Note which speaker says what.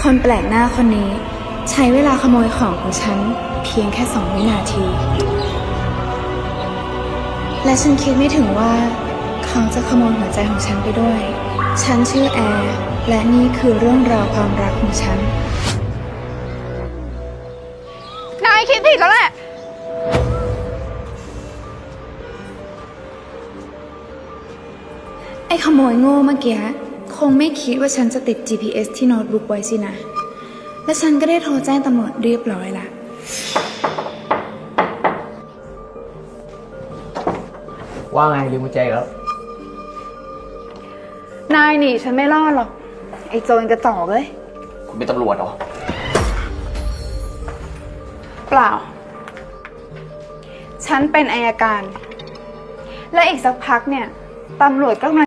Speaker 1: คนแปลกหน้าคนนี้ใช้เวลาขโมยของของฉันเพียงแค่2 วินาที และฉันคิดไม่ถึงว่าเขาจะขโมยหัวใจของฉันไปด้วย ฉันชื่อแอร์และนี่คือเรื่องราวความรักของฉัน
Speaker 2: นายคิดผิดแล้วแหละ
Speaker 1: ไอ้ขโมยโง่เมื่อกี้คงไม่คิดว่าฉันจะติด GPS ที่โน้ตบุ๊กไว้สินะ และฉันก็ได้โทรแจ้งตำรวจเรียบร้อยละ
Speaker 3: ว่าไงลืมกุญแจอีกแล้ว
Speaker 2: นายหนีฉันไม่รอดหรอกไอ้โจรกระจอกเลย
Speaker 3: คุณเป็นตำรวจเหรอ
Speaker 2: เปล่า ฉันเป็นอัยการ และอีกสักพักเนี่ยตำรวจก็มา